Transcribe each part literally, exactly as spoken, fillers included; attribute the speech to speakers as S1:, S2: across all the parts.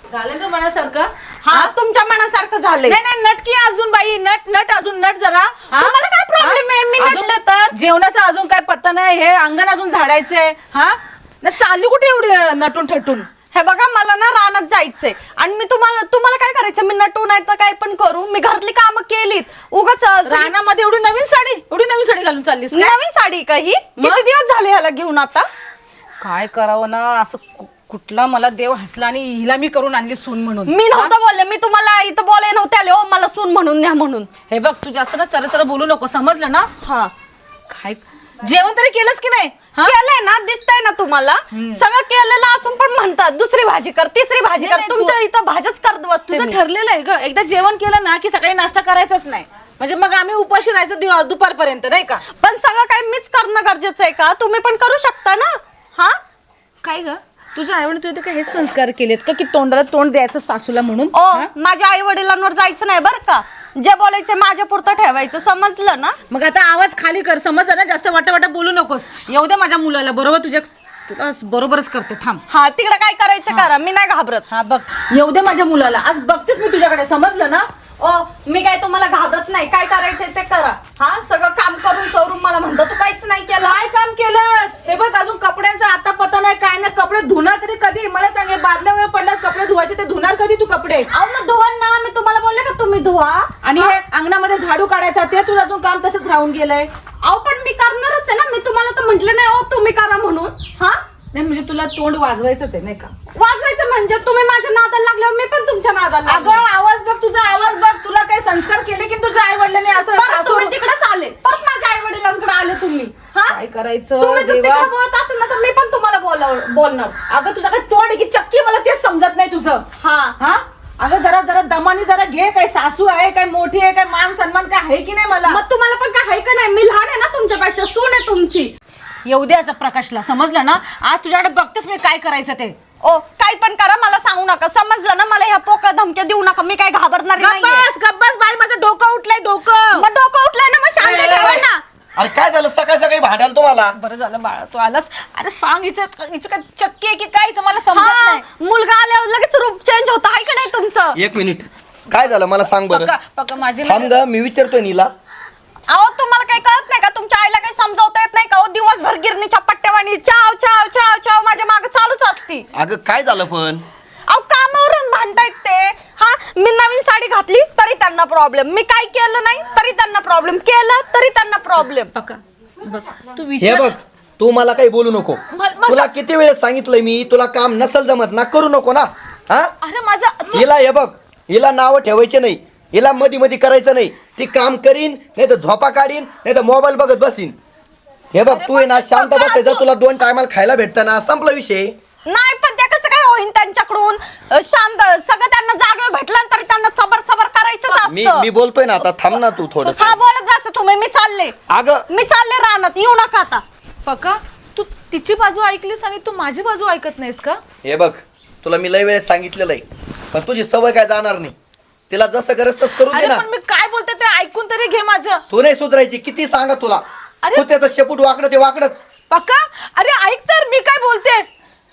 S1: झालं ना मनासारखं?
S2: हा तुमच्या मनासारखं झालंय.
S1: नाही नाही नटकी अजून बाई, नट नट अजून नट जरा.
S2: तुम्हाला काय प्रॉब्लेम आहे? मी
S1: अजून-
S2: नटलं तर
S1: जेवणाचा अजून काय पत्ता नाही, हे अंगण अजून झाडायचंय. हा ना चालली कुठे एवढी नटून ठटून?
S2: हे बघा मला ना रानात जायचंय आणि मी तुम्हाला तुम्हाला काय करायचं? मी नटू नाही तर काय पण करू, मी घरातली कामं केलीत. उगाच
S1: रानामध्ये एवढी नवीन साडी, एवढी नवीन साडी घालून चाललीस काय?
S2: नवीन साडी काही किती दिवस झाले ह्याला घेऊन आता?
S1: काय करावं ना असं, कु- कुठला मला देव हसला आणि हिला मी करून आणली सून म्हणून.
S2: मी नव्हतं बोलले, मी तुम्हाला इथं बोलाय नव्हते आले हो मला सून म्हणून न्या म्हणून.
S1: हे बघ तू जास्त ना चर चर बोलू नको, समजलं ना?
S2: हा
S1: काय जेवण तरी केलंस की नाही?
S2: केलंय ना, दिसतंय ना तुम्हाला? सगळं केलेलं असून पण म्हणतात दुसरी भाजी कर, तिसरी भाजी
S1: नाही,
S2: कर.
S1: नाही,
S2: तुमच्या इथं भाज्याच करत बसते
S1: तुझं
S2: मी.
S1: ठरलेलं आहे ग, एकदा जेवण केलं ना की सकाळी नाश्ता करायचाच नाही, म्हणजे मग आम्ही उपाशी राहायचं दिव- दुपारपर्यंत नाही का?
S2: पण सगळं काय मीच करणं गरजेचं आहे का? तुम्ही पण करू शकता ना. हा
S1: काय ग तुझ्या आईवडील तुझे काय हेच संस्कार केलेत का की तोंडाला तोंड द्यायचं सासूला म्हणून?
S2: ओ माझ्या आई वडिलांवर जायचं नाही बरं का. जे बोलायचं माझ्या पुरतं ठेवायचं, समजलं ना?
S1: मग आता आवाज खाली कर, समजलं ना? जास्त वाटा वाटा बोलू नकोस. येऊ दे माझ्या मुलाला, बरोबर तुझ्या तुला बरोबरच करते, थांब.
S2: हा तिकडे काय करायचं करा, मी नाही घाबरत.
S1: हा बघ, येऊ दे माझ्या मुलाला, आज बघतेस मी तुझ्याकडे, समजलं ना?
S2: ओ मी काय तुम्हाला घाबरत नाही, काय करायचंय ते करा. हा सगळं काम करून सवरून मला म्हणतो तू काहीच नाही केलं.
S1: काय काम केलंस? हे बघ अजून कपड्यांचा आता पता नाही, काय नाही. कपडे धुणार तरी कधी? मला सांग, बादल्यावर पडल्यात कपडे धुवायचे, ते धुणार कधी तू कपडे?
S2: अहो ना धुवा ना, मी तुम्हाला बोलले का तुम्ही धुवा.
S1: आणि हे अंगणामध्ये झाडू काढायचा, ते तुझं अजून काम तसंच राहून गेलंय.
S2: अहो पण मी करणारच आहे ना, मी तुम्हाला तर म्हंटल नाही हो तुम्ही करा म्हणून. हा
S1: नाही म्हणजे तुला तोंड वाजवायचंच आहे नाही का?
S2: वाजवायचं म्हणजे तुम्ही माझ्या नादाला लागल्यावर मी पण तुमच्या नादाला
S1: अगं
S2: लागले.
S1: आवाज बघ, तुझा आवाज बघ. तुला काही संस्कार केले की तुझ्या आई वडिलांनी असं?
S2: परत
S1: सासू-
S2: तुम्ही तिकडेच आले, परत माझ्या आई वडिलांकडे आले तुम्ही. हा
S1: काय करायचं
S2: तुम्ही जर
S1: देवा?
S2: तिकडे बोलत असेल ना तर मी पण तुम्हाला बोलाव बोलणार.
S1: अगं तुझा काही तोंड आहे की चक्की? मला तेच समजत नाही तुझं.
S2: हा
S1: हा अगं जरा जरा दमानी जरा घे. काय सासू आहे, काय मोठी आहे, काय मान सन्मान काय आहे की नाही मला?
S2: मग तुम्हाला पण काय आहे का नाही? मी लहान आहे ना तुमच्यापेक्षा, सून आहे तुमची.
S1: येऊ दे असं प्रकाशला, समजलं ना? आज तुझ्याकडे बघतेस मी काय करायचं ते.
S2: ओ काय पण करा, मला सांगू नका, समजलं ना? मला ह्या पोकळ धमक्या देऊ नका, मी काय घाबरणार नाही.
S1: गप्पास गप्पास बाई, माझं डोकं उठलंय डोकं.
S2: मग डोकं उठलंय ना, मग शांत ठेवा ना.
S3: अरे काय झालं सकाळी सकाळी भांडायला तुम्हाला?
S1: बरं झालं बाळा तू आलास. अरे सांग, हिचं हिचं काय चक्की आहे की काय? हिचं मला समजत
S2: हा
S1: नाही.
S2: मुलगा आल्यावर लगेच रूप चेंज होतं आहे का नाही तुमचं?
S3: एक मिनिट, काय झालं मला सांग बरं.
S1: पक्का पक्का माझी
S3: थांब ग, मी विचारतोय नीला.
S2: अहो तुम्हाला काही कळत नाही का? तुमच्या आईला काही समजावता येत नाही का? दिवसभर गिरणीच्या पट्ट्यावानी चाव चाव चाव चाव माझ्या मागे चालूच असती.
S3: अगं काय झालं पण?
S2: अहो कामावरून भांडतायत ते. हा मी नवीन साडी घातली तरी त्यांना प्रॉब्लेम, मी काय केलं नाही तरी त्यांना प्रॉब्लेम, केलं तरी त्यांना प्रॉब्लेम.
S1: पक्का बघ तू
S3: हे
S1: विचार.
S3: बघ, तू मला काही बोलू नको.
S1: म- म-
S3: तुला किती वेळेस सांगितलंय मी, तुला काम नसल जमत ना करू नको ना. हा
S1: अरे माझा तू-
S3: हिला हे बघ, हिला नाव ठेवायचे नाही, हिला मधी मधी करायचं नाही. ती काम करीन, नाही तर झोपा काढीन, नाही तर मोबाईल बघत बसीन. हे बघ, तू आहे ना शांत बसायचं, तुला दोन टायमाला खायला भेटतं ना, संपला विषय.
S2: नाही पण त्या कसं काय होईन त्यांच्याकडून? अ, शांत सगळं त्यांना जागेवर भेटलं तरी त्यांना सबर सबर करायचंच
S3: मी
S2: असतं.
S3: मी बोलतोय ना आता, थांब ना तू थोडस.
S2: हा बोलत बसा तुम्ही, मी चालले.
S3: अगं
S2: मी चालले रानात, येऊ नका आता.
S1: पक्का तू तिची बाजू ऐकलीस आणि तू माझी बाजू ऐकत नाहीस का?
S3: हे बघ, तुला मी लय वेळेस सांगितलेलं आहे, पण तुझी सवय काय जाणार नाही. तिला जसं करस तसं करू दे
S1: अरे
S3: ना.
S1: पण मी काय बोलते ते ऐकून तरी घे माझं.
S3: तू नाही सुधरायची, किती सांगा तुला.
S1: अरे-
S3: तू त्याचं शेपूट वाकडं ते वाकडच.
S1: पक्का अरे ऐक तर, मी काय बोलते.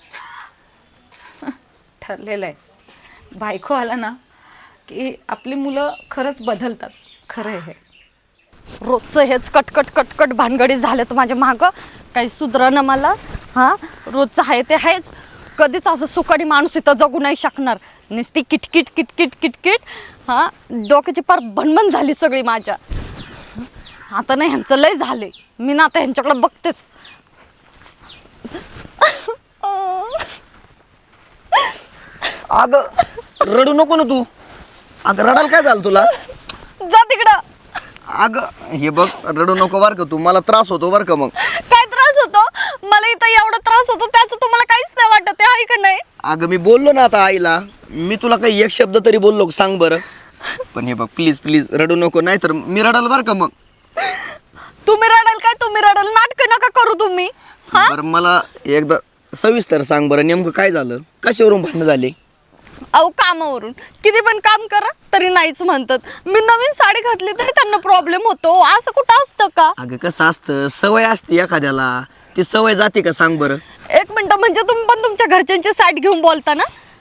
S1: ठरलेलं आहे, बायको आला ना की आपली मुलं खरंच बदलतात. खरं आहे हे.
S2: रोजचं हेच कटकट कटकट भानगडी झाल्यात माझ्या मागं, काही सुधरणं मला. हा रोजचं आहे ते आहेच. कधीच असं सुखाडी माणूस इथं जगू नाही शकणार. नुसती किटकिट किटकिट किटकिट. हा डोक्याची पार भणभण झाली सगळी माझ्या. आता नाही ह्यांचं लय झाले, मी ना आता ह्यांच्याकडे बघतेच.
S3: अगं रडू नको ना तू. अगं रडायला काय झालं तुला?
S2: जा तिकडं.
S3: अगं हे बघ, रडू नको बरं का तू, मला त्रास होतो बरं का. मग
S2: काय त्रास होतो मला इथं? एवढा त्रास होतो त्याचं तुम्हाला काहीच नाही वाटत आहे का नाही?
S3: अगं मी बोललो ना आता आईला, मी तुला काही एक शब्द तरी बोललो का सांग बरं. पण हे बघ प्लीज प्लीज रडू नको, नाही तर मी रडाल बरं का. मग
S2: तुम्ही रडाल काय? तुम्ही रडाल, नाटकं नका करू तुम्ही. हा
S3: बरं मला एकदा सविस्तर सांग बरं, नेमकं काय झालं, कशावरून भांडणं झाले?
S2: अहो कामावरून किती पण काम करा तरी नाहीच म्हणतात. मी नवीन साडी घातली तरी त्यांना प्रॉब्लेम होतो. असं कुठं असतं का?
S3: अगं कसं असतं, सवय असते एखाद्याला, ती सवय जाते का सांग बरं.
S2: एक मिनिट, म्हणजे तुम्ही पण तुमच्या घरच्यांची साईड घेऊन बोलता ना?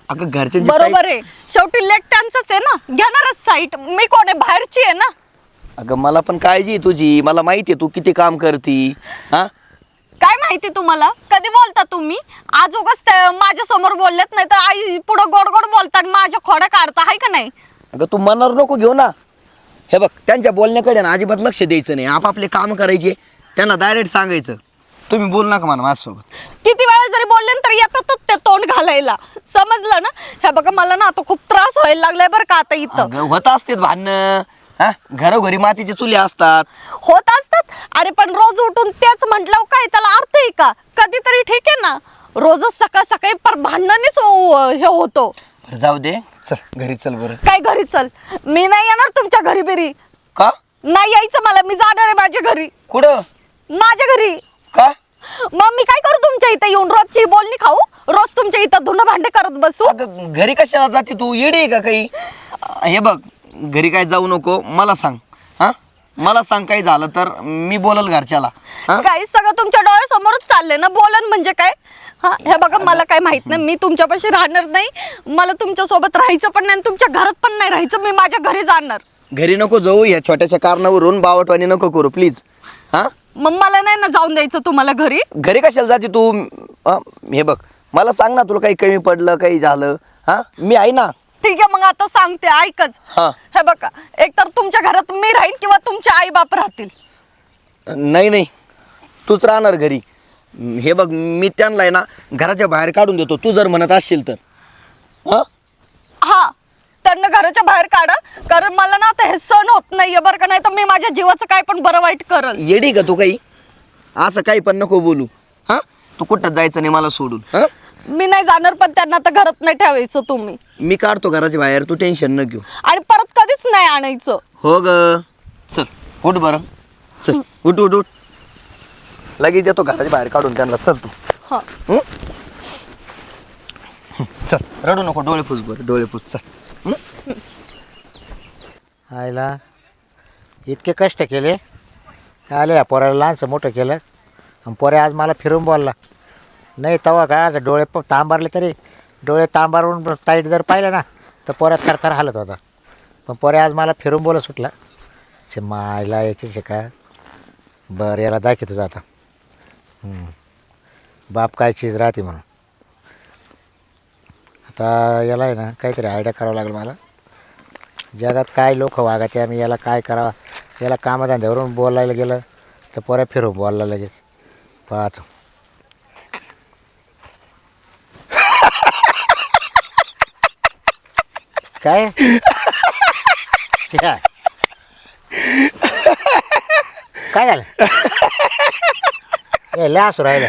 S3: अगं घरच्यांची
S2: बरोबर
S3: side-
S2: आहे, शेवटी लेक त्यांचंच आहे ना, घेणारच साईट. मी कोण आहे, बाहेरची आहे ना.
S3: अगं मला पण काळजी आहे तुझी, मला माहिती आहे तू किती काम करती. हा
S2: काय माहिती तुम्हाला, कधी बोलता तुम्ही? आज उगाच माझ्या समोर बोललेत, नाही तर आई पुढं गोड गोड बोलतात, माझ्या खोड्या काढता, आहे का नाही?
S3: अगं तू मनावर नको घेऊ ना. हे बघ त्यांच्या बोलण्याकडे ना अजिबात लक्ष द्यायचं नाही. आपापले काम करायचे, त्यांना डायरेक्ट सांगायचं तुम्ही बोल नका म्हणा माझ्यासोबत.
S2: किती वेळा जरी बोलले ना, तरी येतातच ते तोंड घालायला, समजलं ना? हे बघा मला ना आता खूप त्रास व्हायला लागलाय बरं का आता इथं.
S3: अगं होत असते भांडणं, हा घरोघरी मातीचे चुले असतात.
S2: होत असतात. अरे पण रोज उठून तेच म्हटलं काय त्याला अर्थ आहे का? कधीतरी ठीक आहे ना, रोजच सकाळ सकाळी पर भांडणीच हे होतो.
S3: बरं जाऊ दे, चल घरी चल. बरं
S2: काय घरी चल? मी नाही येणार तुमच्या घरी बिरी,
S3: का
S2: नाही यायचं मला. मी जाणार आहे माझ्या घरी.
S3: कुठं?
S2: माझ्या घरी.
S3: का?
S2: मग मी काय करू तुमच्या इथं येऊन? रोजची बोलणी खाऊ? रोज तुमच्या इथं धुणं भांडे करत बसू?
S3: अगं घरी कशाला जाते तू? येडी आहे का काही? हे बग घरी काय जाऊ नको, मला सांग. हा मला सांग काही झालं तर मी बोलल घरच्याला. हा
S2: काय सगळं तुमच्या डोळ्यासमोरच चाललंय ना, बोलन म्हणजे काय? हा हे बघा मला काय माहित नाही, मी तुमच्यापाशी राहणार नाही. मला तुमच्या सोबत राहायचं पण नाही, तुमच्या घरात पण नाही राहायचं. मी माझ्या घरी जाणार.
S3: घरी नको जाऊ, या छोट्याशा कारणावरून बावटवाणी नको करू प्लीज. हा
S2: मग मला नाही ना जाऊन द्यायचं तुम्हाला घरी.
S3: घरी कशाला जाते तू? हा, हे बघ मला सांग ना, तुला काही कमी पडलं काही झालं? हा मी आहे ना.
S2: ठीक आहे मग आता सांगते, ऐकच.
S3: हा.
S2: हे बघा, एकतर तुमच्या घरात मी राहीन किंवा तुमचे आई बाप राहतील.
S3: नाही नाही तूच राहणार घरी. हे बघ मी त्यांना आहे ना घराच्या बाहेर काढून देतो, तू जर म्हणत असशील तर. हा
S2: हा त्यांना घराच्या बाहेर काढा, कारण मला ना आता हे सण होत नाहीये बरं का. नाही तर मी माझ्या जीवाचं काय पण बरं वाईट करल.
S3: येडी का तू काही? असं काही पण नको बोलू. हा तू कुठं जायचं नाही मला सोडून. हा
S2: मी नाही जाणार, पण त्यांना आता घरात नाही ठेवायचं तुम्ही.
S3: मी काढतो घराच्या बाहेर, तू टेन्शन न घेऊ.
S2: आणि परत कधीच नाही आणायचं.
S3: हो ग चल उठ बरं, चल उठ उठ उठ. लगेच येतो घराच्या बाहेर काढून त्यांना. चल तू.
S2: हा
S3: हं? चल रडू नको, डोळे पुस बरं, डोळे पुस. चल. हं?
S4: आईला इतके कष्ट केले, आले या पोऱ्याला लहानसं मोठं केलं, आणि पोऱ्या आज मला फिरून बोलला नाही. तेव्हा काय आज डोळे प तांबारले, तरी डोळे तांबारून ताईट जर पाहिलं ना तर पोऱ्या थरथर हालत होता. पण पोऱ्या आज मला फिरून बोलत सुटला. शे मायला याची शे का बरं याला दाखवतो तुझं आता. हं. बाप काय चीज राहते म्हणून. आता याला आहे ना काहीतरी आयडिया करावं लागेल मला. जगात काय लोक वागते, आम्ही याला काय करावं. याला कामधंद्यावरून बोलायला गेलं तर पोऱ्या फिरून बोलला लगेच. पाहतो. काय छ्या. काय झालं? ए लय हसू राहिलं.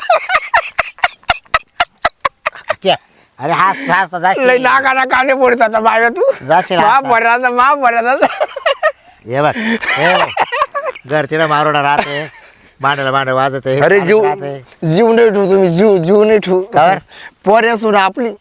S4: छ्या. अरे हास हास
S5: लय
S4: जाशील
S5: नाकाला कांदे फोडत आता बाय तू.
S4: जाशील
S5: मा
S4: आता.
S5: बऱ्याचा मा बऱ्याचा.
S4: हे बघ हे बघ घर तिला मारोडा राहते, भांड्याला भांड वाजत आहे.
S5: अरे जीव
S4: राहते.
S5: जीव नाही ठेवू तुम्ही, जीव जीव नाही ठेवू.
S4: काय?
S5: पोऱ्या सुन आपली.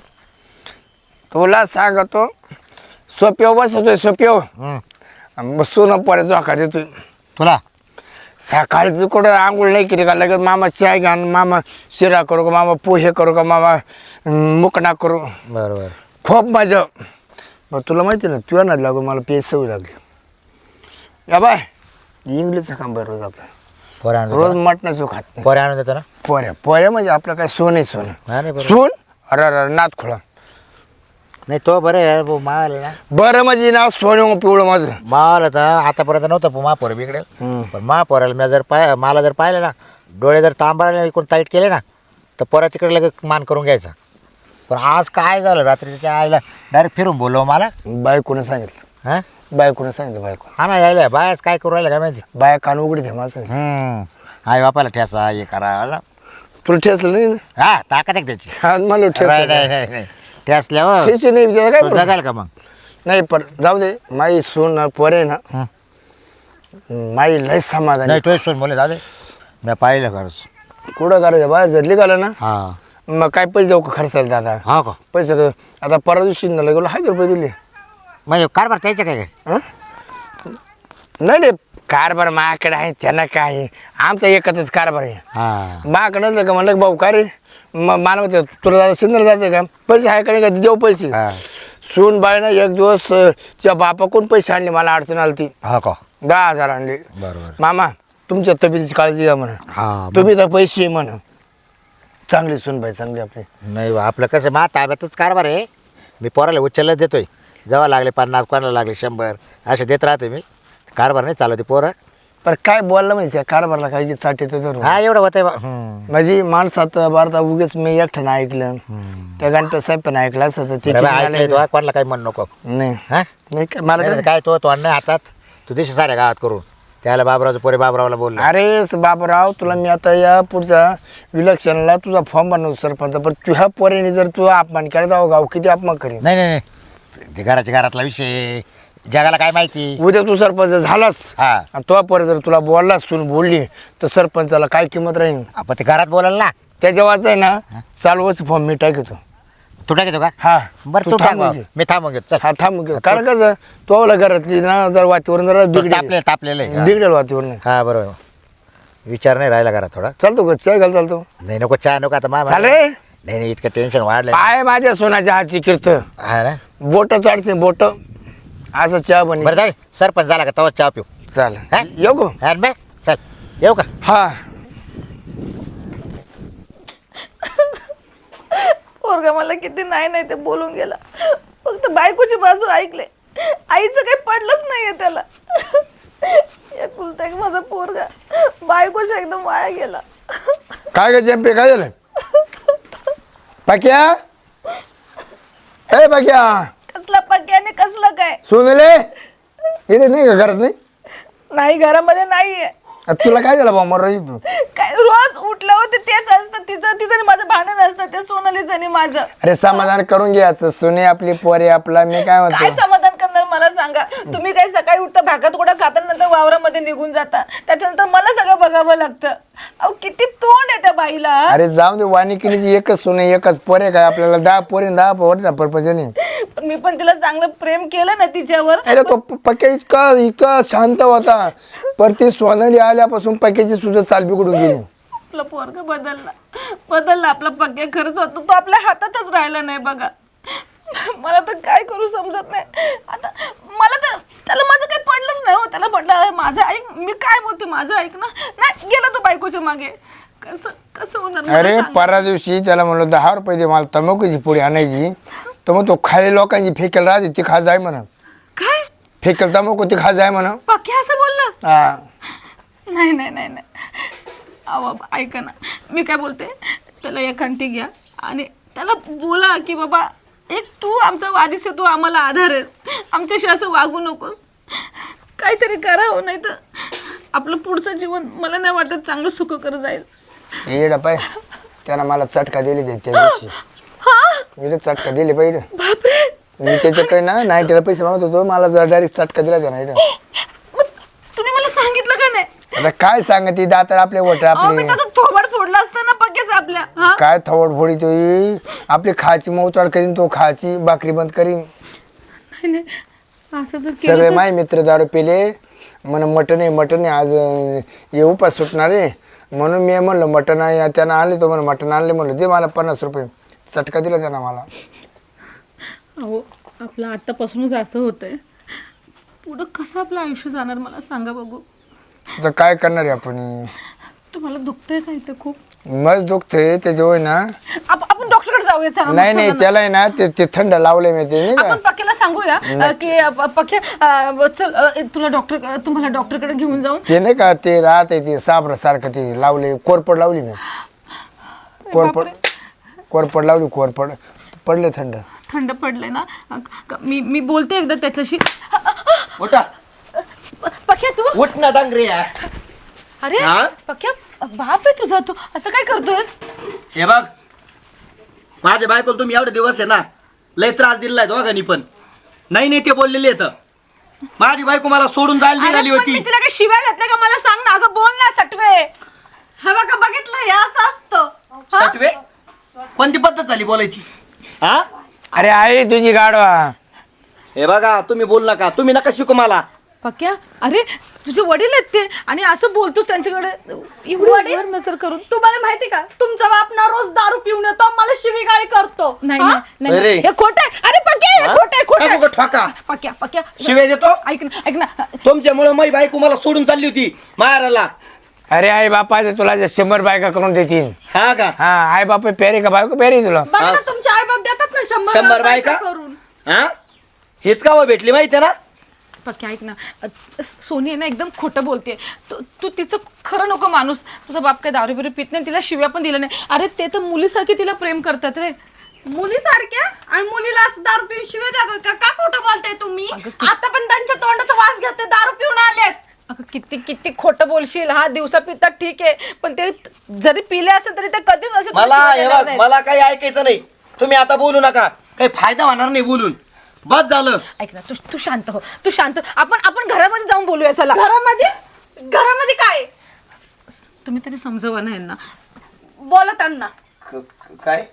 S5: तुला सांगतो सोप्यो बसतोय सोप्यो,
S4: हं.
S5: बसून पोऱ्या जोखा देतोय.
S4: तुला
S5: सकाळचं कुठं आंघोळ नाही केली का लगेच मामा चाय घ्या, मामा शिरा करू का, मामा पोहे करू का, मामा मुकणा करू.
S4: बरोबर.
S5: खूप मजा. मग तुला माहिती ना तुझ्या नाद लागून मला पेज सवय लागली. या बाय इंग्लिशचं काम बरं रोज आपलं,
S4: पोऱ्या आणून
S5: रोज
S4: देतो ना?
S5: मटणाचं खात नाही.
S4: पोऱ्या आणून देतो ना?
S5: पोऱ्या पोऱ्या म्हणजे आपलं काय सोन आहे सोनं.
S4: हा नाही बरोबर.
S5: सून अरे अरे नात खोळा.
S4: नाही तो बरं आहे भाऊ, मावाला ना
S5: बरं म्हणजे ना सोनं पिवळं माझं.
S4: मावाला तर आतापर्यंत नव्हतं महापोरं बिघडेल.
S5: हम्म.
S4: पण महापोराला मी जर पाय मला जर पाहिलं ना, डोळे जर तांबारायला इकडून ताईट केले ना, तर पोरा तिकडे लगेच मान करून घ्यायचा. पण आज काय झालं, रात्री त्याच्या आईला डायरेक्ट फिरून बोललो मला.
S5: बायकोनं सांगितलं,
S4: हां
S5: बायकोनं सांगितलं बायको.
S4: हा ना यायला बायच काय करू राहिलं काय माहिती.
S5: बाया कान उघडीत आहे माझं.
S4: हम्म. आई बापाला ठेसा हे करा.
S5: तुला ठेसलं नाही ना?
S4: हा ताकद आहे त्याची.
S5: हा मला
S4: नाही
S5: ठेस
S4: नाही नाही नाही ठेसल्या हो
S5: ठेस नाही त्याला काय
S4: तो
S5: बोलू?
S4: जगाल का मग.
S5: नाही पण जाऊ दे. माई सून पोरे ना,
S4: हं.
S5: माई लय समाधान.
S4: नाही तोच सोन बोले दादा मी पाहिलं खरंच.
S5: कुठं करायचं बाहेर जर निघालं ना,
S4: हा
S5: मग काय पैसे देऊ का खर्चायला दादा?
S4: हो का.
S5: पैसे क- आता परवा दिवशी ना गेलो हजार रुपये दिले.
S4: म्हणजे कारभार त्याचे काय काय.
S5: हं? नाही नाही कारभार माझ्याकडे आहे त्यांना काय आहे? आमचा एकच कारभार आहे.
S4: हा
S5: माझ्याकडे नसलं का म्हणलं भाऊ का रे म- मला म्हणते तुला जायचं सिंदर जायचं का पैसे आहे का नाही का देऊ पैसे.
S4: हा.
S5: सून बाई ना एक दिवस अं, तिच्या बापाकडून पैसे आणले मला अडचण आली ती
S4: हा का
S5: दहा हजार आणले.
S4: बरोबर
S5: मामा तुमच्या तब्येतीची काळजी घ्या म्हणा
S4: हा
S5: तुम्ही तर पैसे म्हणा चांगली सून बाई चांगली आपली.
S4: नाही बा, आपलं कसं मा ताब्यातच कारभार आहे. मी पोराला उचलच देतोय. जेव्हा लागले पन्नास कोणाला लागले शंभर असे देत राहते मी. कारभार नाही चालवते पोरं.
S5: पण काय बोललं माहिती आहे कारभारला काही साठी तर
S4: हा एवढं होतंय बा. हम्म.
S5: माझी माणसात भारता उगेच मी एकट्यानं ऐकलं त्या गणपती साहेब पण ऐकलं असं तर ते
S4: बरं,
S5: किती
S4: ऐकलंय
S5: झालं?
S4: तू, कोणाला काही म्हणू नको.
S5: नाही
S4: हा
S5: नाही काय मला
S4: नाही,
S5: काय-
S4: काय तो तो नाही हातात तू दिशी साऱ्या गावात करून त्याला बाबरावचं पोरे बाबरावला बोललो.
S5: अरे स- बाबराव तुला मी आता या पुढच्या विलक्षणला तुझा फॉर्म बनवतो सरपंच पण तुझ्या पोरीने जर तू अपमान केला जाऊ गाव किती अपमान करीन.
S4: नाही नाही नाही ते घराच्या घरातला विषय जगाला काय माहिती.
S5: उद्या तू सरपंच झालाच
S4: हा
S5: आणि तो पोरी जर तुला बोलला सून बोलली तर सरपंचाला काय किंमत राहील.
S4: आपण ते घरात बोलाल ना.
S5: त्याच्या वाच आहे ना चालू वर्ष फॉर्म मी टाकतो.
S4: तू टाकतो का
S5: हा
S4: बरं
S5: तू
S4: तू टाक
S5: थांबून
S4: बा.
S5: घे.
S4: मी थांबून घेतो चल.
S5: हा थांब घे. कारण कसं तो आवला घरातली ना जर वातीवरून जरा
S4: तो
S5: बिघडेल
S4: तापले तापलेलं आहे. हा.
S5: बिघडेल वातीवरून
S4: हा बरोबर विचार नाही राहिला घरात थोडा.
S5: चालतो का चाय घाल चालतो
S4: नाही नको चहा नको आता मा
S5: चाले
S4: नाही नाही इतकं टेन्शन वाढलंय.
S5: पाय माझ्या सोन्याच्या हातची कीर्त
S4: हा ना
S5: बोट चाडचे बोट असं चहा बनी
S4: बरं जाय सरपंच झाला का तवा चहा पिऊ.
S5: चाल
S4: हा?
S5: येऊ गो
S4: हा बे चल येऊ का.
S5: हा
S1: पोरगा मला किती नाही नाही ते बोलून गेला. फक्त बायकोची बाजू ऐकले. आईचं काही पडलंच नाहीये त्याला. एकुलता एक माझा पोरगा बायकोच्या एकदम वाया गेला.
S5: काय ग चंपे काय झालं पाक्या ए पाक्या
S1: कसला पक्क्याने कसलं काय
S5: सोनले इकडे नाही का घरात नाही
S1: नाही घरामध्ये नाहीये.
S5: आ, तुला काय झालं बा मर तू
S1: काय रोज उठलं होते तेच असतं तिचं तिचं आणि माझं भांडण असतं ते सोनालीचं आणि माझं.
S5: अरे समाधान करून घ्यायचं सोने आपली पोरे आपला मी काय
S1: काय
S5: म्हणतो
S1: समाधान करणार मला सांगा. तुम्ही काही सकाळी उठता भाकत कुठं खाता नंतर वावरामध्ये निघून जाता त्याच्यानंतर मला सगळं बघावं लागतं. अहो किती तोंड आहे त्या बाईला.
S5: अरे जाऊ दे वानिकिनीची एकच सोने एकच पोरे काय आपल्याला दहा पोरे आणि दहा पोर परपंच नाही.
S1: पण मी पण तिला चांगलं प्रेम केलं ना तिच्यावर.
S5: अरे तो पक्या इतका इतका शांत होता पर ती सोनाली आल्यापासून पक्याची सुद्धा चाल बिघडून गेली.
S1: आपला पोरगा बदलला बदलला आपला पक्या खरंच होता तो आपल्या हातातच राहिला नाही बघा. मला तर काय करू समजत नाही आता. मला तर त्याला माझं काही पडलंच नाही हो. त्याला म्हटलं माझं ऐक मी काय बोलते माझं ऐक ना नाही गेला तो बायकोच्या मागे. कसं कसं होणार मला
S5: अरे
S1: सांगा.
S5: परा दिवशी त्याला म्हणलं दहा रुपये दे मला तंबाखूची पुडी आणायची तर मग तो खाली लोकांची फेकेल राहते ती खा जाय म्हणा
S1: काय
S5: फेकेल तंबाखू ती खा जाय म्हणा.
S1: पक्या असं बोललं.
S5: हा
S1: नाही नाही नाही नाही अहो ऐका ना मी काय बोलते त्याला एकांटी घ्या आणि त्याला बोला की बाबा एक तू आमचा वारीस आहे तू आम्हाला आधार आहेस आमच्याशी असं वागू नकोस काहीतरी करा हो नाही तर आपलं पुढचं जीवन मला नाही वाटत चांगलं सुखकर जाईल.
S5: येड पाय त्यानं मला चटका दिली ते त्या दिवशी
S1: हा
S5: येडे चटका दिली पाहिजे
S1: बापरे
S5: मी त्याच्या काही ना नाईटीला पैसे मागत होतो मला डायरेक्ट चटका दिला त्या नाईट.
S1: मग तुम्ही मला सांगितलं का नाही.
S5: आता काय सांगते दातर आपले वट
S1: अहो, मी
S5: आपले
S1: त्याचं थोबाड फोडलं असतं ना पक्केच आपल्या. हा
S5: काय थवड फोडी तो आपली खायची मौताड करीन तो खायची भाकरी बंद करीन.
S1: नाही नाही असं जर केलं
S5: सगळे
S1: तर-
S5: माय मित्र दारू पेले म्हण मटण आहे मटण आहे आज अं, ये उपास सुटणार आहे म्हणून मी म्हणलं मटण आहे त्यानं आणले तो म्हणून मटण आणले म्हणलं दे मला पन्नास रुपये चटका दिला त्यानं मला.
S1: अहो आपलं आत्तापासूनच असं होतंय पुढं कसं आपलं आयुष्य जाणार मला सांगा बघू.
S5: आता काय करणार आहे आपण
S1: तुम्हाला दुखतंय का इथं खूप.
S5: मस्त दुखतंय त्याच्या होय ना.
S1: आप- आपण डॉक्टरकडे जाऊया चला मग,
S5: नाही
S1: चला
S5: नाही
S1: ना.
S5: त्याला आहे ना ते ते थंड लावले मी ते नाही का
S1: आपण पक्याला सांगूया अं, की अं, पक्या अं, चल अं, तुला डॉक्टर तुम्हाला डॉक्टरकडे घेऊन जाऊन.
S5: ते नाही का ते राहत आहे ते साबरा सारखं ते लावले कोरपड लावली मी कोरपड कोरपड लावली कोरपड पडले थंड.
S1: थंड पडलंय ना अं, क- मी मी बोलते एकदा त्याच्याशी.
S3: उठा
S1: पक्या तू
S3: उठ ना डांगरे.
S1: अरे
S3: हा?
S1: पक्या बाप आहे तुझा तू असं काय करतोयस.
S3: हे बघ माझ्या बायकोला तुम्ही एवढे दिवस आहे ना लय त्रास दिलाय दोघांनी पण. नाही नाही ते बोललेले आहेत माझी बायको मला सोडून जायला
S1: अरे,
S3: निघाली
S1: पण
S3: होती.
S1: मी तिला काही शिव्या घातल्या का मला सांग ना. अगं बोल ना सटवे.
S2: हे बघा बघितलं हे असं असतं.
S3: सटवे कोणती पद्धत झाली बोलायची. हा
S5: अरे आई तुझी गाडवा
S3: हे बघा तुम्ही बोल नका तुम्ही नका शिकू मला.
S1: पक्या अरे तुझे वडील आहेत ते आणि असं बोलतोस त्यांच्याकडे
S2: वडील?
S1: एवढं नसर करून.
S2: तुम्हाला माहिती का तुमचा बाप ना रोज दारू पिऊन येतो मला शिवीगाळी करतो
S1: नाही
S2: हा?
S1: नाही, नाही
S3: अरे.
S1: हे खोट आहे. अरे पक्या हे खोट आहे खोट
S3: काय
S1: आहे.
S3: ठोका
S1: पक्या पक्या
S3: शिवाय देतो
S1: ऐक ना ऐक ना
S3: तुमच्यामुळे माझी बायको मला सोडून चालली होती माहेराला.
S5: अरे आई बापा ते तुला जे शंभर बायका करून देतील.
S3: हा का
S5: हा आई बापा पेरे का बायको पेरे तुला.
S2: बघा ना तुमचे आई बाप देतात ना शंभर
S3: शंभर बायका
S2: करून.
S3: हा हेच का भेटली माहिती आहे ना.
S1: पक्या ऐक ना अ, सोनी आहे ना एकदम खोटं बोलते. तू तू तिचं खरं नको माणूस. तुझा बाप काय दारू बिरू पित नाही तिला शिव्या पण दिल्या नाही. अरे ते तर मुलीसारखे तिला प्रेम करतात रे.
S2: मुलीसारख्या आणि मुलीला असं दारू पिऊन शिवे देतात का का खोटं बोलताय तुम्ही
S1: अगं, किती-
S2: आता पण त्यांच्या तोंडाचा वास घेते दारू पिऊन आलेत.
S1: अगं किती किती खोटं बोलशील. हा दिवसा पितात ठीक आहे पण ते जरी पिले असेल तरी ते कधीच असे तुला
S3: मला
S1: शिव्या
S3: हे
S1: देणार
S3: बघ
S1: नाहीत.
S3: मला काही ऐकायचं नाही. तुम्ही आता बोलू नका काही फायदा होणार नाही बोलून. बस झालं.
S1: ऐक ना तू तू शांत हो तू शांत हो. आपण आपण घरामध्ये जाऊन बोलूया चला.
S2: घरामध्ये घरामध्ये काय
S1: तुम्ही तरी समजवा ना यांना.
S2: बोला त्यांना
S3: क- क- काय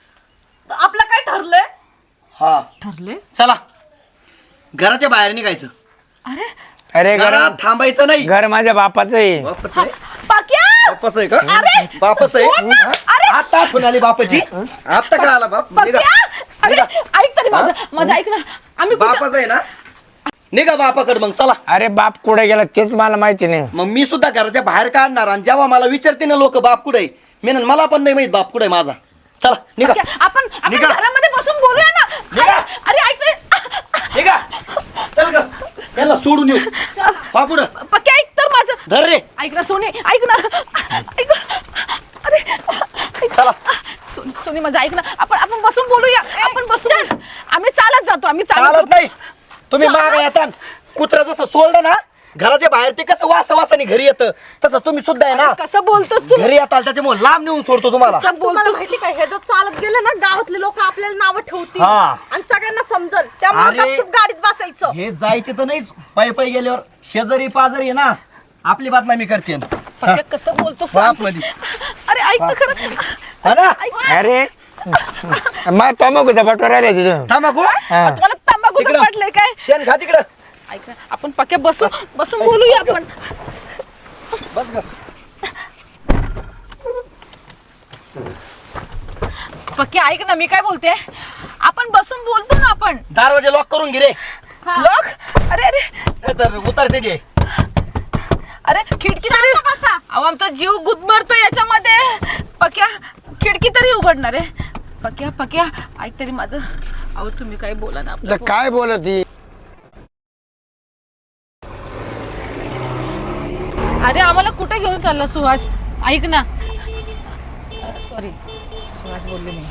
S2: आपलं काय ठरलंय.
S3: हा
S1: ठरले.
S3: चला घराच्या बाहेर निघायचं.
S1: अरे
S5: अरे घर
S3: घरात थांबायचं नाही.
S5: घर माझ्या बापाचं आहे.
S3: बापच आहे
S1: पाक्या
S3: बापच आहे का
S1: अरे!
S3: बापच आहे
S1: सोड ना!
S3: हा?
S1: अरे!
S3: आता आठवण आली बापाची. आता काय आला बाप निघा.
S1: पक्या अरे ऐक तरी माझं माझं ऐक ना आम्ही कुठं-
S3: बापाच आहे ना निघा बापाकडे मग चला.
S5: अरे बाप कुठे गेला तेच मला माहिती नाही.
S3: मग मी सुद्धा घराच्या बाहेर काढणार आणि जेव्हा मला विचारते ना लोक बाप कुठे मी म्हणेन, मला पण नाही माहित बाप कुठे माझा. चला निघा
S1: पक्या, आपण आपण
S3: निघा.
S1: घरामध्ये बसून बोलूया ना.
S3: निघा.
S1: अरे अरे ऐक ना.
S3: निघा चल ग याला सोडून येऊ बा पुढं
S1: पक्या ऐक तर माझं.
S3: धर रे
S1: ऐक ना सोनी ऐक ना ऐक अरे ऐक.
S3: चला.
S1: सोनी सोनी माझं ऐक ना आपण आपण बसून बोलूया. आपण बसून आम्ही चालत जातो आम्ही
S3: चालत
S1: चालत
S3: नाही तुम्ही माग येता कुत्रा जसं सोडलं ना घराच्या बाहेर ते कसं वास वासाने घरी येतं तसं तुम्ही सुद्धा आहे ना
S1: कसं बोलतोस तू.
S3: घरी येताल त्याच्यामुळे लांब नेऊन सोडतो तुम्हाला.
S1: कसं
S2: तुम्हाला
S1: बोलतोस
S2: माहिती काय हे जर चालत गेलं ना गावातले लोक आपल्याला नावं ठेवतील
S3: हा.
S2: आणि सगळ्यांना समजल त्यामुळे
S3: अरे.
S2: गपचूप गाडीत बसायचं.
S3: हे जायचे तर नाहीच पायी पायी गेल्यावर शेजारी पाजारी आहे ना आपली बदनामी करते
S1: पक्या कसं बोलतोस तू
S3: बाप
S1: आमच्याशी? अरे ऐक ना खरं
S3: हा ना
S5: अरे मग तंबाखूचा बटवर राहिला तिथं.
S3: थांबाकू
S1: तुम्हाला तंबाखूचं
S3: तिकडं.
S1: पडलंय काय.
S3: शेण खा तिकडं
S1: ऐक ना आपण पक्या बसून बसून बोलूया आपण.
S3: बस ग
S1: पक्या ऐक ना मी काय बोलते आपण बसून बोलतो ना आपण.
S3: दरवाजे लॉक करून घे रे
S1: लोक अरे अरे
S3: नाही तर उतरते ते.
S1: अरे खिडकी तरी अहो आमचा जीव गुदमरतो याच्यामध्ये. पक्या खिडकी तरी उघडणार आहे. पक्या पक्या ऐक तरी माझं. अहो तुम्ही काही बोला ना आपल्या
S5: तर काय बोलत ही
S1: अरे आम्हाला कुठे घेऊन चालला सुहास. ऐक ना सॉरी सुहास बोलले मी.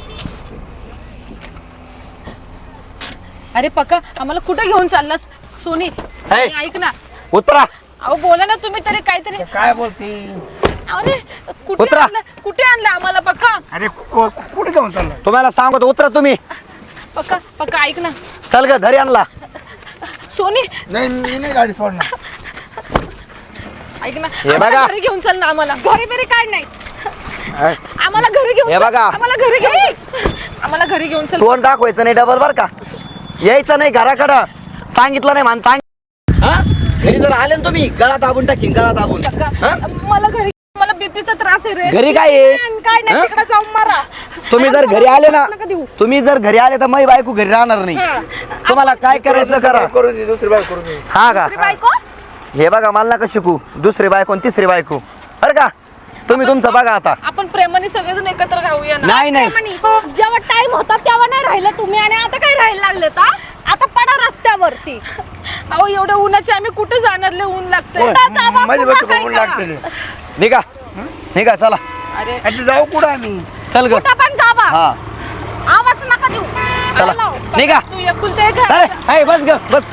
S1: अरे पक्का आम्हाला कुठे घेऊन चाललास. सोनी
S3: हे.
S1: ऐक ना
S3: उतरा
S1: अहो बोला ना तुम्ही तरी काहीतरी.
S5: काय बोलती.
S1: अरे कुठे
S3: उतरा.
S1: आणलं कुठे आणलं आम्हाला पक्का.
S5: अरे कु- कुठे जाऊन चालला.
S3: तुम्हाला सांगतो उतरा तुम्ही.
S1: पक्का पक्का ऐक ना
S3: चल ग घरी आणला.
S1: सोनी
S5: नाही मी नाही गाडी सोडणार.
S1: ऐक ना
S3: हे
S1: आम्हाला
S3: बघा.
S1: घरी घेऊन चल ना आम्हाला. घरी बिरी काय नाही
S5: अरे,
S1: आम्हाला घरी घेऊन
S3: हे
S1: चल.
S3: बघा.
S1: आम्हाला घरी घेऊन चल. आम्हाला घरी घेऊन चल.
S3: तोंड दाखवायचं नाही डबल बर का यायचं नाही घराकडं सांगितलं नाही मान सांग हा? घरी जर आले ना तुम्ही गळा दाबून टाकीन गळा दाबून हा?
S1: मला घरी मला बीपीचा त्रास आहे रे.
S3: घरी काय आहे?
S2: काय नाही
S3: हा?
S2: तिकडे जाऊन मारा.
S3: तुम्ही जर घरी आले ना तुम्ही जर घरी आले तर मै बायको घरी राहणार नाही. तुम्हाला काय करायचं करा.
S5: करू दे दुसरी बाय करू दे.
S3: हा का
S2: बायको
S3: हे बघा मला नका शिकू दुसरी बायको आणि तिसरी बायको बरं का तुम्ही तुमचं बघा आता.
S1: आपण प्रेमाने सगळेजण एकत्र राहूया ना.
S3: नाही नाही
S2: म्हणी, जेव्हा टाइम होता तेव्हा नाही राहिलं तुम्ही आणि आता काय राहायला लागले का. आता पडा रस्त्यावरती.
S1: अहो एवढ्या उन्हाचे आम्ही कुठे जाणार लय ऊन लागते.
S5: होय.
S2: जावा,
S5: माझी
S2: पुन्हा
S5: बायको
S2: काय
S5: बघून
S2: करा?
S5: लागते.
S3: निघा निघा चला
S1: अरे
S5: आता जाऊ कुठं आम्ही.
S3: चल ग
S2: कुठं पण जावा
S3: हा
S2: आवाज नका देऊ.
S3: चला
S2: लाव.
S3: निघा
S1: तू एकुलते एक
S3: चल
S1: आहे.
S3: हाय, बस ग बस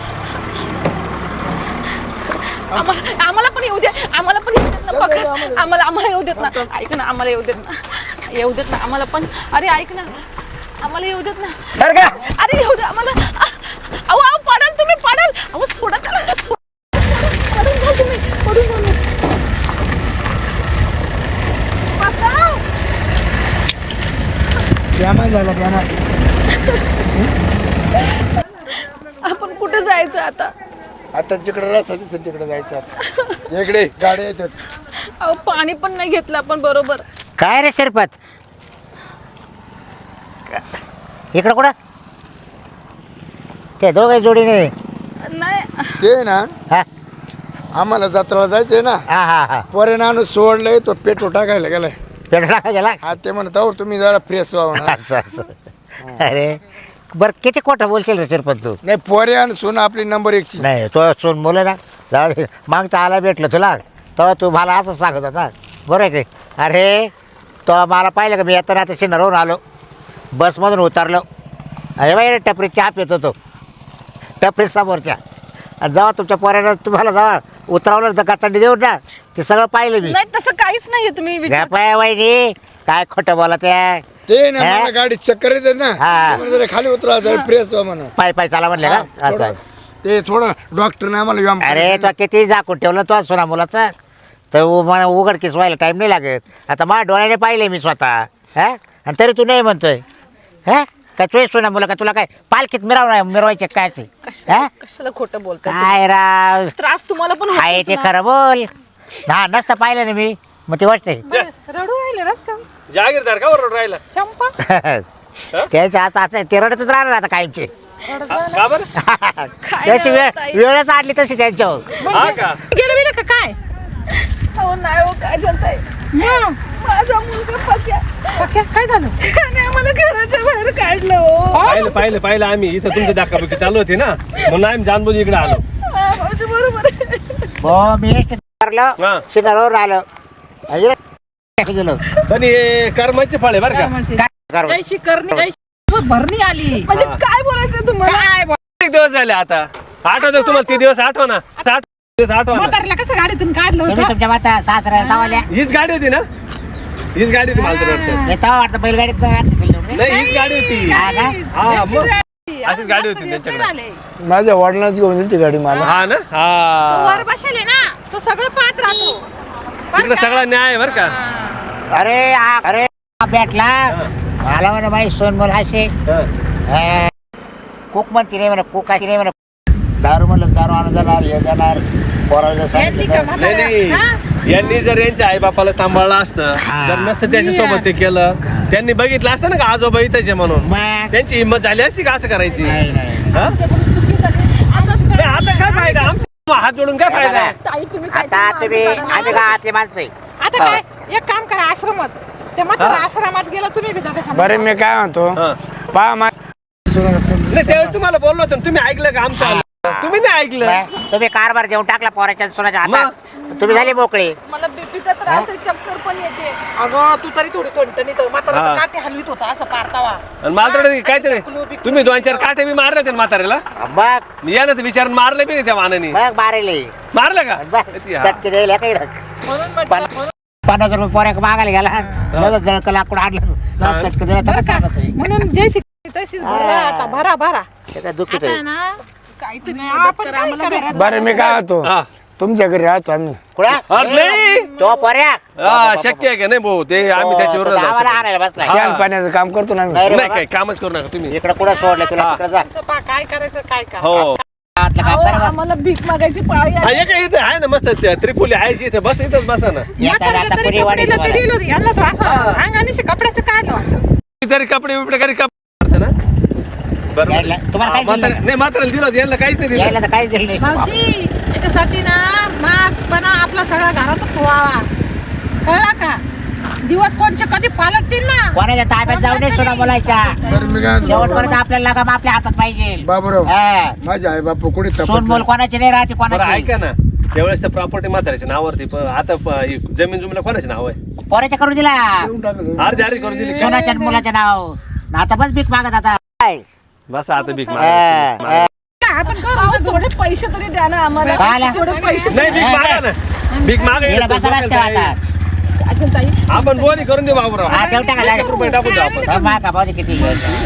S1: आम्हाला आम्हाला पण येऊ दे आम्हाला पण येऊ देत ना पक्का. आम्हाला आम्हाला येऊ देत ना. ऐक ना आम्हाला येऊ देत ना येऊ देत ना आम्हाला पण. अरे ऐक ना आम्हाला येऊ देत ना.
S3: सर का
S1: अरे येऊ दे आम्हाला. अहो अहो पडाल तुम्ही पडाल. अहो सोडा त्याला सोडा. पडून जाऊ तुम्ही पडून जाऊ ना. वाचव.
S5: ध्यानात झाला ध्यानात.
S1: आपण कुठे जायचं आता.
S5: आता जिकडे रस्ता दिसेल तिकडे जायचं आता. इकडे गाड्या येतात.
S1: अहो पाणी पण नाही घेतलं आपण बरोबर.
S4: काय रे शिरपत इकडं कुठं ते दोघे जोडीने
S1: नाही
S5: ते ना
S4: हा
S5: आम्हाला जत्राला जायचंय ना.
S4: हा हा हा
S5: पोरे नाणू सोडलंय तो पेट्रोल टाकायला गेलाय.
S4: पेट्रोल गेला
S5: हा ते म्हणत आहो तुम्ही जरा फ्रेश व्हा म्हणा.
S4: असं असं अरे बरं किती खोटं बोलशील रे शिरपत तू
S5: नाही पोरे आणि सोन आपली नंबर एकशे.
S4: नाही तो सोन बोल ना जाऊ दे मागता आला भेटलं तुला तेव्हा तू मला असं सांगत होता बरं आहे की अरे तो मला पाहिलं का मी येताना आता शिन्नरवरून आलो बसमधून उतरलो अरे बाई टपरी चहा पित होतो टपरी समोरच्या आणि जेव्हा तुमच्या पोऱ्यानं तुम्हाला जेव्हा उतरवलं तर गचांडी देऊन ना ते सगळं पाहिलं मी
S1: नाही तसं काहीच नाहीये तुम्ही विचार.
S4: पाय वहिनी काय खोटं बोला त्या
S5: ते ना
S4: हा?
S5: मला गाडी चक्कर येते ना
S4: हा.
S5: ते म्हणे जरा खाली उतरा जरा फ्रेश व्हा म्हणा.
S4: पाय पाय चाला म्हणले का
S5: हा,
S4: असं
S5: थोडं- ते थोडं डॉक्टरने आम्हाला व्यायाम
S4: अरे
S5: करायला
S4: तो किती झाकून ठेवलं तो सोना मुलाचा तर उ- मला उघडकीस व्हायला टाईम नाही लागत आता माझ्या डोळ्याने पाहिले मी स्वतः हा आणि तरी तू नाही म्हणतोय हा काय तुझे सोना मुला का तुला काय पालखीत मिरवणार मिरवायचे काय ते हा
S1: कशाला खोटं बोलताय.
S4: काय राव
S1: त्रास तुम्हाला पण
S4: आहे
S1: होतोच
S4: ते
S1: ना.
S4: खरं बोल हा नसतं पाहिलं ना मी मग ते वाटतंय
S1: रडू राहिले रस्त्यावर
S6: जागीरदार का बरोबर राहिला
S1: चंपा.
S4: त्याच्या आता आता ते रडतच राहणार आता कायमचे
S6: का बरं
S4: त्याची वेळ वेळच आडली तशी त्यांच्यावर
S6: हा का
S1: गेलं बिलं का काय. हो नाही हो काय जनताय माझा मुलगा पक्या पक्या काय झालं आणि आम्हाला घराच्या बाहेर काढलं हो.
S6: पाहिलं पाहिलं पाहिलं आम्ही इथं तुमची दाखाबुकी चालू होती ना म्हणून आम्ही जानबुजी इकडे आलो
S1: हा, भाऊजी बरोबर आहे.
S4: हो मी करलो
S6: हा.
S4: शिनारवर आलो इकडे गेलो
S6: पण हे कर्माचे फळ आहे बरं का
S4: काय करू?
S1: जयशी करणी जयशी भरणी आली म्हणजे काय बोलायचं तुम्हाला.
S6: किती दिवस झाले आता आठवतो तुम्हाला ते दिवस आठवा ना आठ दिवस आठवा ना
S1: कसं गाडीतून काढलं
S4: तुम्ही तुमच्या माता सासऱ्याला जावाल्या
S6: हीच गाडी होती ना हीच गाडी होती मला तर वाटतं
S4: येता वाटतं बैलगाडीत जात असेल तेवढे.
S6: नाही हीच गाडी होती
S4: हा का?
S6: हा मग अशीच गाडी होती त्यांच्याकडे
S5: माझ्या वडिलांच घेऊन दिली ती गाडी मला.
S6: हा ना हा
S1: वर बसेल ना तो सगळं पाहत राहतो.
S6: तिकडे सगळा न्याय आहे बरं का
S4: अरे आ- अरे आ भेटला मला म्हणे बाई सोन बोल असे
S6: हा.
S4: कुक म्हणते नाही म्हणा कुक आहे नाही म्हणा दारू म्हणलं दारू आणून जाणार हे जाणार पोराला सांगितलं
S6: नाही नाही यांनी जर यांच्या आई बापाला सांभाळलं असतं
S4: हा.
S6: जर नसतं त्याच्यासोबत ते केलं त्यांनी बघितलं असतं ना का आजोबा इथेच म्हणून
S4: मग
S6: त्यांची हिंमत झाली असती का असं करायची
S4: नाही नाही
S6: हा? नाही, आता काय फायदा आमचा हात जोडून काय फायदा आहे?
S1: ताई तुम्ही
S4: आता तुम्ही आम्ही गावातले माणसं आहे.
S1: आता काय एक काम करा आश्रमात ते मग आश्रमात गेला तुम्ही बी जा त्याच्या
S5: बरं मी काय म्हणतो
S6: हा.
S5: पहा मा
S6: नाही त्यावेळी तुम्हाला बोललो होतो ना, तुम्ही ऐकलं का आमचं आलं? तुम्ही नाही ऐकलं
S4: मग तुम्ही कारभार देऊन टाकला पोराच्या सोनाच्या हातात तुम्ही झाले मोकळे
S1: मला बीपीचा त्रास आहे चक्कर पण येते. अगं तू तरी थोडी टणटणीत म्हातारा
S6: हा.
S1: तर काठी हलवीत होता असं पारतावा.
S6: आणि मला काहीतरी तुम्ही दोन चार काटे बी मारले होते ना म्हाताऱ्याला
S4: बघ
S6: मी या ना विचारून मारले बी नाही त्या मानाने
S4: बघ बारेले
S6: मारलं का
S4: बघ
S6: किती हा.
S4: चटके द्यायला काही
S1: म्हणून म्हटलं
S4: पण- पन्नास रुपये पोऱ्या मागायला गेला लगेच जळक लाकूड आणलं लगेच चटके दिला तर सांगत आहे.
S1: म्हणून जयशी तशीच भरा आता भरा भरा
S4: ते काय दुखीत आहे
S1: ना काहीतरी आपण काय करायचं?
S5: बरं मी काय म्हणतो
S6: हा.
S5: तुमच्या घरी राहतो आम्ही.
S4: कुठं?
S6: अरे नाही
S4: तो पोऱ्या
S6: हा, शक्य आहे का नाही भाऊ ते आम्ही त्याच्यावर
S4: तो गावाला आणायला बसलाय
S5: शेण पाण्याचं काम करतो ना आम्ही.
S4: नाही रे
S6: नाही
S4: बाबा.
S6: काय कामच करू नका तुम्ही
S4: इकडं कुठं सोडलं तुला तिकडं जा
S1: तुमचं पा काय करायचं काय का
S6: हो
S4: गावातलं काम कर बा.
S1: आम्हाला भीक मागायची पाळी
S6: हा, हे काय इथं आहे ना मस्त ते त्रिपुली आहे इथे बस इथंच बसा ना
S4: येताना आता पुरी वाढी तुम्हाला.
S1: यांना तो असं अंगाने कपड्याचं काढलं वाटतं.
S6: तरी कपडे बिपडे घरी कपडे ना बरं
S4: यायला- तुम्हाला काय
S6: म्हातारा-
S4: दिलं?
S6: नाही म्हाताऱ्याला दिलं होतं, यांना काहीच नाही दिलं
S4: यायला तर काहीच दिलं नाही
S1: भाऊजी याच्यासाठी ना मास्क पण आपला सगळा घरात ठेवावा कळला का दिवस कोणचे कधी पालटतील ना.
S4: कोणाच्या ताब्यात जाऊ नये सुद्धा बोलायच्या
S5: बरं मी काय म्हणतो
S4: शेवटपर्यंत आपल्याला लागा आपल्या हातात पाहिजे
S5: बाबूराव
S4: हा.
S5: माझे आई बापू कुठे
S4: सोन
S5: तपास
S4: बोल कोणाची नाही राहते
S6: बरं
S4: कोणाची
S6: ऐका ना त्यावेळेस तर प्रॉपर्टी म्हाताऱ्याच्या नावावरती पण आता प- ही जमीन जुमला कोणाचे नाव आहे
S4: पोऱ्याच्या करून दिला
S6: अर्धी अर्धी करून दिली का?
S4: सोनाच्या आणि मुलाच्या नाव न आता बस भीक मागत आता काय?
S6: बस आता भीक
S4: हा,
S6: मागा
S4: हा.
S1: आपण करू थोडे पैसे तरी द्या ना आम्हाला
S4: काय?
S1: थोडे पैसे
S6: नाही भीक मागा ना भीक मागा
S4: येणं
S6: इकडं
S4: बसा
S6: डोक्याला
S4: रस्त्यावर
S6: काय?
S4: आता
S1: अजून ताई
S6: आपण बोनी करून देऊ बाबूराव
S4: हा, तेवढं टाका,
S6: एक रुपये टाकून देऊ आपण
S4: हा, मागा भाऊ दे किती घ्यायचं.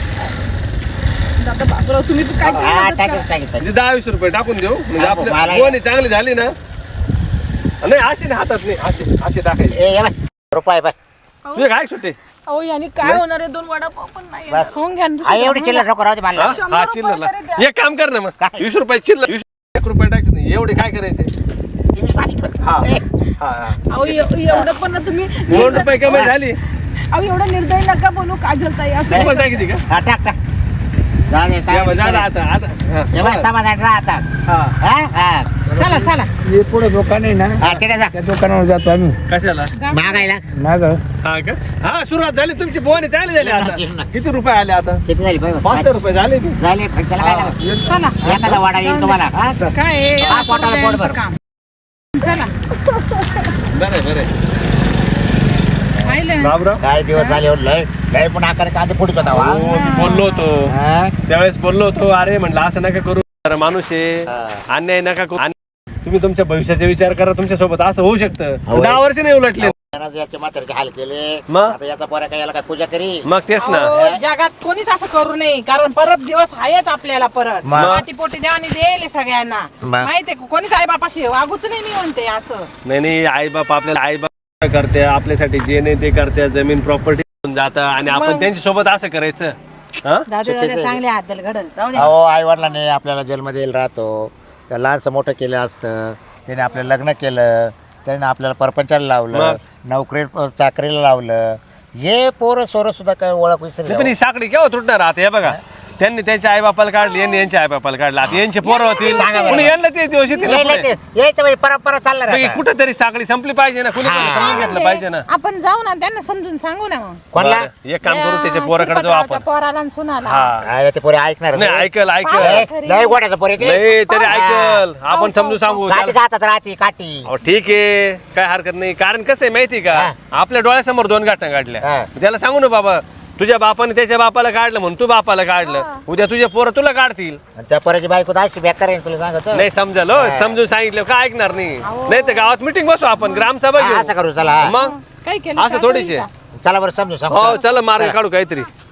S1: दादा बाबूराव तुम्ही काय
S4: हा टाकेल सांगितलं
S6: म्हणजे दहा वीस रुपये टाकून देऊ म्हणजे
S4: हा,
S6: आपल्या
S4: मला-
S6: बोनी चांगली झाली ना नाही अशी नाही हातात नाही असे असे टाकायचे
S4: ए ये बाय रुपये बाय
S6: तुझे काय सुट्टे
S1: अहो यांनी काय होणार आहे दोन वडापाव पण नाही
S4: बस
S1: होऊन घ्या ना
S4: हा,
S1: दुसरं.
S4: एवढी चिल्लर नको राहू दे मला
S6: हा
S1: शंभर
S6: हा
S1: रुपये
S6: चिल्लर
S1: तरी द्या.
S6: एक काम कर ना मग
S4: काय?
S6: वीस रुपये चिल्लर वीस एक रुपये टाकत नाही एवढे काय करायचे
S4: तुम्ही सांगितलं
S6: हा हा हा.
S1: अहो एव- एवढं पण ना तुम्ही
S6: दोन रुपये कमाई झाली
S1: अहो एवढं निर्दय नका बोलू काजल ताई असं
S6: रुपये टाकते का
S4: हा, टाक टाक जाऊ दे, काय
S6: या बा, झालं आता आता हा,
S4: हे बघ, समाधान राहा आता
S6: हा.
S4: हा? हा.
S1: चला चला
S5: हे पुढे दुकान आहे ना
S4: हा, तिकडे जा
S5: त्या दुकानावर जातो आम्ही
S6: कशाला
S4: मागायला
S5: माग
S6: हा का हा सुरुवात झाली तुमची बोनी चालली झाली आता किती रुपये आले आता
S4: किती झाली पाहिजे
S6: पाचशे रुपये झाले की
S4: झाले पण त्याला काय लागलं?
S1: चला
S4: एखादा वाडा येईल तुम्हाला हा?
S1: काय
S4: हा, पोटाला पोट भर.
S1: चला
S6: बरं बरं
S1: पाहिलं
S6: बाबराव
S4: काय दिवस झाले हो, लय लय पण आकार कांदे फुटत होता वा.
S6: हो, मी बोललो होतो
S4: हा?
S6: त्यावेळेस बोललो होतो अरे म्हटलं असं नका करू जरा माणूस आहे अन्याय नका करू आणि तुम्ही तुमच्या भविष्याचा विचार करा तुमच्या सोबत असं होऊ शकतं
S4: होय.
S6: दहा वर्ष नाही उलटले
S4: त्यानं याचे म्हातारीचे हाल केले
S6: मग?
S4: आता याचा पोरा काय याला काय पूजा करी
S6: मग तेच ना
S7: अहो, जगात कोणीच असं करू नये कारण परत दिवस आहेच आपल्याला परत
S4: मग?
S7: पाठीपोटी देवानी देईल सगळ्यांना
S4: मग?
S7: माहितीये कोणीच आई बापाशी वागूच नाही मी म्हणते असं
S6: नाही नाही आई बाप आपल्याला आई बाप करते आपल्यासाठी जे नाही ते करते जमीन प्रॉपर्टी जातं आणि आपण त्यांच्या सोबत असं करायचं हा
S7: चांगले हात घडल जाऊ दे
S4: अहो आई वडिलांनी आपल्याला जन्म देईल राहतो त्या लहानसं मोठं केलं असतं त्याने आपलं लग्न केलं त्याने आपल्याला परपंचाला लावलं नोकरी चाकरीला लावलं हे पोरं सोरं सुद्धा काय ओळख
S6: नाही,
S4: विसरली
S6: पण ही साखळी केव्हा तुटणार आता हे बघा त्यांनी त्यांच्या आई बापाला काढली यांनी यांच्या आई बापाला काढलं आता यांचे पोरं होतील कुणी यांना ते दिवस येतील ना पुढे.
S4: यायचं म्हणजे परंपरा चालणार
S6: मग ही
S4: आता.
S6: कुठेतरी साखळी संपली पाहिजे ना कुणी कोणी समजून घेतलं पाहिजे ना
S7: आपण जाऊ ना त्यांना समजून सांगू ना मग
S4: कोणला
S6: बरं, एक काम करू त्याच्या पोराकडे जाऊ आपण
S7: पोराला आणि सुनाला
S6: हा
S4: हा, ते पोरे ऐकणार
S6: नाही ऐकल ऐकल
S4: लय- लय गोड्याचं पोरे ते
S6: नाही तरी ऐकल आपण समजून सांगू
S4: काठी
S6: त्याला-
S4: हातात राहते काठी
S6: अहो, ठीक आहे काय हरकत नाही कारण कसं आहे माहिती का
S4: हा.
S6: आपल्या डोळ्यासमोर दोन घटना
S4: हा.
S6: काढल्या त्याला सांगू ना बाबा तुझ्या बापाने त्याच्या बापाला काढलं म्हणून तू बापाला काढलं उद्या तुझे पोरं तुला काढतील
S4: आणि त्या पोराची बायको तर अशी बेकार आहे तुला सांगतो
S6: नाही समजलं हो, समजून सांगितलं काय ऐकणार नाही नाही तर गावात मिटिंग बसू आपण ग्रामसभा
S4: हा, असं
S6: घेऊ
S4: करू चला
S6: मग
S7: काय केलं
S6: असं थोडीच आहे
S4: चला बरं समजू सांगू
S6: हो चला मार्ग काढू काहीतरी